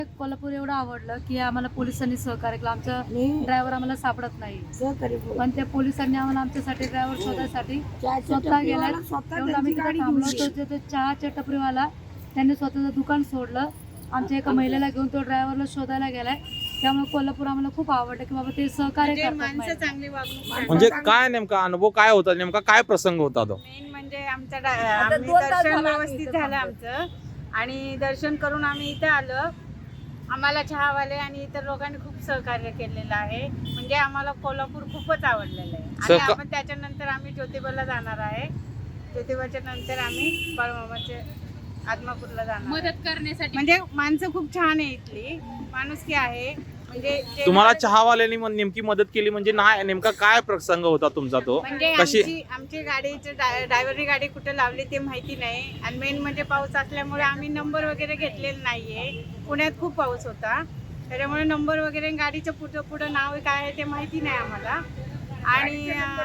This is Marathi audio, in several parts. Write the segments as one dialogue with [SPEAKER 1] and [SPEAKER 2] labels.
[SPEAKER 1] कोल्हापूर एवढं आवडलं की आम्हाला पोलिसांनी सहकार्य केलं. आमचा ड्रायव्हर आम्हाला सापडत नाही, पण त्या पोलिसांनी आम्हाला आमच्यासाठी ड्रायव्हर शोधायसाठी स्वतः गेला. तेवढं आम्ही तिथे थांबलो होतो. तो चहाच्या टपरीवाला त्यांनी स्वतःचं दुकान सोडलं. आमच्या एका महिलेला घेऊन तो ड्रायव्हरला शोधायला गेलाय. त्यामुळे कोल्हापूर आम्हाला खूप आवडलं की बाबा ते सहकार्य करतात.
[SPEAKER 2] म्हणजे काय नेमका अनुभव काय होता, नेमका काय प्रसंग होता तो?
[SPEAKER 3] मेन म्हणजे आमचं दर्शन व्यवस्थित झालं आमचं, आणि दर्शन करून आम्ही इथे आलो. आम्हाला चहावाले आणि इतर लोकांनी खूप सहकार्य केलेलं आहे. म्हणजे आम्हाला कोल्हापूर खूपच आवडलेलं आहे. आणि आपण त्याच्यानंतर आम्ही ज्योतिबाला जाणार आहे. ज्योतिबाच्या नंतर आम्ही बाळूमामाचे आदमापूरला जाणार मदत करण्यासाठी. म्हणजे माणसं खूप छान आहे, इथली माणुसकी आहे. म्हणजे
[SPEAKER 2] तुम्हाला चहावाल्यांनी नेमकी मदत केली म्हणजे नाही, नेमका काय प्रसंग होता तुमचा तो?
[SPEAKER 3] म्हणजे आमची गाडीची ड्रायव्हरनी गाडी कुठे लावली ते माहिती नाही. आणि मेन म्हणजे पाऊस असल्यामुळे आम्ही नंबर वगैरे घेतलेला नाहीये. पुण्यात खूप पाऊस होता, त्याच्यामुळे नंबर वगैरे गाडीचं पुढं नाव काय आहे ते माहिती नाही आम्हाला. आणि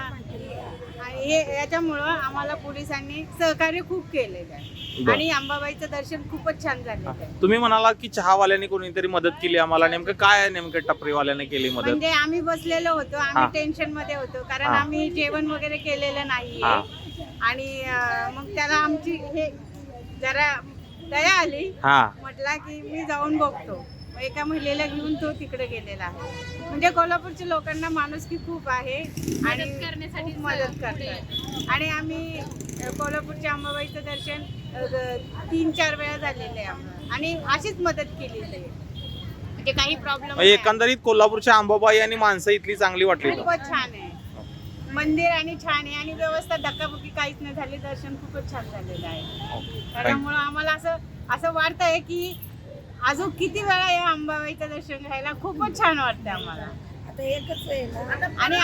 [SPEAKER 3] हे याच्यामुळं आम्हाला पोलिसांनी सहकार्य खूप केलेलं आहे. आणि अंबाबाईचं दर्शन खूपच छान झालेलं आहे.
[SPEAKER 2] तुम्ही म्हणाला की चहावाल्यांनी कोणीतरी मदत केली आम्हाला, नेमकं काय नेमकं टपरीवाल्याने केली मदत?
[SPEAKER 3] म्हणजे आम्ही बसलेलो होतो, आम्ही टेन्शन मध्ये होतो, कारण आम्ही जेवण वगैरे केलेलं नाहीये. आणि मग त्याला आमची हे जरा दया आली, म्हटला की मी जाऊन बघतो. एका महिलेला घेऊन तो तिकडे गेलेला आहे. म्हणजे कोल्हापूरच्या लोकांना माणुसकी खूप आहे आणि खूप मदत करतात. आणि आम्ही कोल्हापूरच्या अंबाबाईचं दर्शन 3-4 वेळा झालेलं आहे आम्हाला, आणि अशीच मदत केलेली आहे. म्हणजे काही प्रॉब्लेम
[SPEAKER 2] एकंदरीत कोल्हापूरच्या अंबाबाई आणि माणसं इथली चांगली वाटली.
[SPEAKER 3] खूपच छान आहे मंदिर, आणि छान आहे, आणि व्यवस्था धक्काबुक्की काहीच नाही झाली. दर्शन खूपच छान झालेलं आहे. त्यामुळे आम्हाला असं वाटतंय की अजून किती वेळा या अंबाबाईचं दर्शन घ्यायला खूपच छान वाटतं आम्हाला. आता एकच आहे. आणि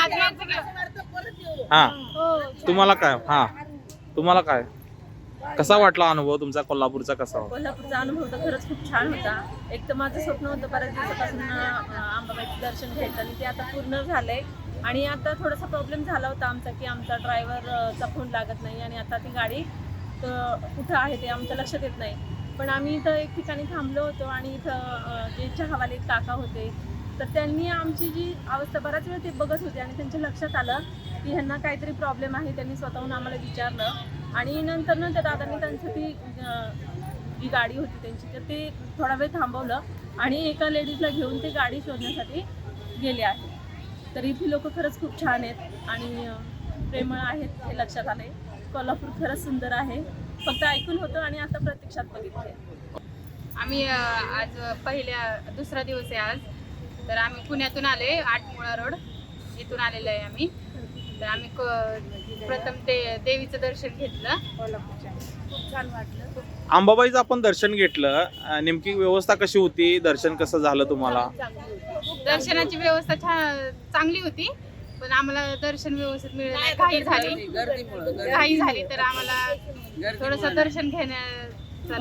[SPEAKER 2] तुम्हाला काय तुम्हाला काय कसा वाटला अनुभव तुमचा कोल्हापूरचा? कसा होता
[SPEAKER 4] कोल्हापूरचा अनुभव? तर खरंच खूप छान होता. एक तर माझं स्वप्न होतं बऱ्याच दिवसापासून अंबाबाईचं दर्शन घ्यायचं, आणि ते आता पूर्ण झालंय. आणि आता थोडासा प्रॉब्लेम झाला होता आमचा की आमचा ड्रायव्हरचा फोन लागत नाही, आणि आता ती गाडी कुठं आहे ते आमच्या लक्षात येत नाही. पण आम्ही इथं एक ठिकाणी थांबलो होतो, आणि इथं जे चहावाले काका होते, तर त्यांनी आमची जी अवस्था बराच वेळ ते बघत होते, आणि त्यांच्या लक्षात आलं की ह्यांना काहीतरी प्रॉब्लेम आहे. त्यांनी स्वतःहून आम्हाला विचारलं, आणि नंतर त्या दादांनी त्यांचं ती जी गाडी होती त्यांची, तर ते थोडा वेळ थांबवलं आणि एका लेडीजला घेऊन ते गाडी शोधण्यासाठी गेले आहे. तर इथली लोक खरंच खूप छान आहेत आणि प्रेमळ आहेत, हे लक्षात आले. कोल्हापूर खरंच सुंदर आहे. फक्त ऐकून होतं आणि आता प्रत्यक्षात बघितले.
[SPEAKER 5] आम्ही आज दुसरा दिवस आहे आज. तर आम्ही पुण्यातून आले, 8 मुळा रोड इथून आलेलो आहे आम्ही. तर आम्ही प्रथम ते देवीचं दर्शन घेतलं. खूप छान वाटलं.
[SPEAKER 2] अंबाबाईचं आपण दर्शन घेतलं, नेमकी व्यवस्था कशी होती? दर्शन कसं झालं तुम्हाला?
[SPEAKER 5] दर्शनाची व्यवस्था चांगली होती, पण आम्हाला दर्शन व्यवस्थित मिळालं नाही. घाई झाली तर आम्हाला थोडंसं दर्शन घेण्याचा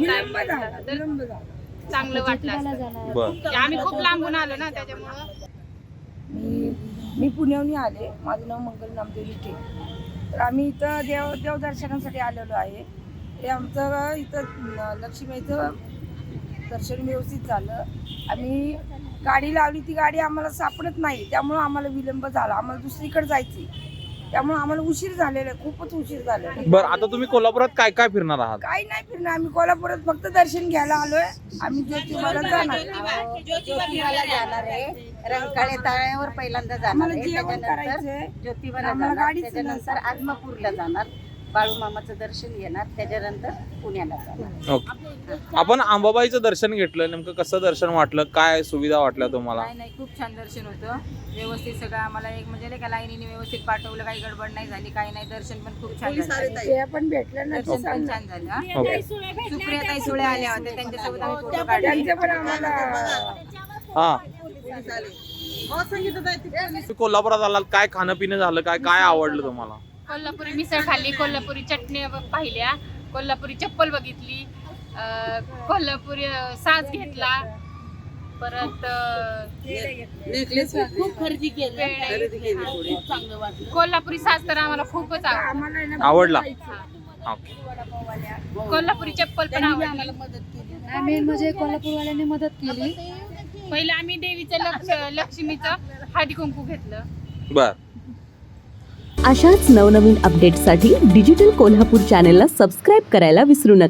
[SPEAKER 5] चांगलं वाटलं. आम्ही खूप लांबून आलो ना, त्याच्यामुळं.
[SPEAKER 6] मी पुण्याहून आले. माझं नाव मंगल नामदेव लिटे. तर आम्ही इथं देवदर्शनासाठी आलेलो आहे. ते आमचं इथं लक्ष्मीचं दर्शन व्यवस्थित झालं. आम्ही गाडी लावली, ती गाडी आम्हाला सापडत नाही, त्यामुळं आम्हाला विलंब झाला. आम्हाला दुसरीकडे जायची, त्यामुळे आम्हाला उशीर झालेला आहे, खूपच उशीर झालेला आहे.
[SPEAKER 2] बरं, आता तुम्ही कोल्हापुरात काय काय फिरणार आहात?
[SPEAKER 6] काही नाही फिरणार. आम्ही कोल्हापुरात फक्त दर्शन घ्यायला आलोय. आम्ही ज्योतिबाला जाणार
[SPEAKER 7] आहे. रंकाळे तळ्यावर पहिल्यांदा जाणार आहे, त्याच्यानंतर ज्योतिबाला जाणार, त्याच्यानंतर आदमापूरला जाणार, बाळूमामाचं दर्शन घेणार, त्याच्यानंतर पुण्याला जाणार.
[SPEAKER 2] ओके. आपण अंबाबाईचं दर्शन घेतलं, नेमकं कसं दर्शन वाटलं? काय सुविधा वाटल्या तुम्हाला?
[SPEAKER 8] नाही, खूप छान दर्शन होतं. व्यवस्थित सगळं आम्हाला एक म्हणजे नाही का लाईनीने व्यवस्थित पाठवलं, काही गडबड नाही झाली, काही नाही. दर्शन पण खूप छान झालं.
[SPEAKER 6] पण भेटलं ना,
[SPEAKER 8] दर्शन पण छान झालं. सुप्रियाताई सुळे आल्या होत्या, त्यांच्यासोबत आम्ही फोटो काढले.
[SPEAKER 2] कोल्हापुरात आलात, काय खाणं पिणं झालं? काय काय आवडलं तुम्हाला?
[SPEAKER 5] कोल्हापुरी मिसळ खाल्ली, कोल्हापुरी चटणी पाहिल्या, कोल्हापुरी चप्पल बघितली, कोल्हापुरी साज घेतला, परत
[SPEAKER 3] खूप खरेदी केली.
[SPEAKER 5] कोल्हापुरी साज तर आम्हाला खूपच
[SPEAKER 2] आवडला.
[SPEAKER 5] कोल्हापुरी चप्पल पण आवडली.
[SPEAKER 1] मेन म्हणजे कोल्हापूरवाल्यांनी मदत केली.
[SPEAKER 5] पहिलं आम्ही देवीचं लक्ष्मीचं हळदी कुंकू घेतलं.
[SPEAKER 2] बर.
[SPEAKER 9] अशाच नवनवीन अपडेट्ससाठी डिजिटल कोल्हापूर चॅनेलला सबस्क्राईब करायला विसरू नका.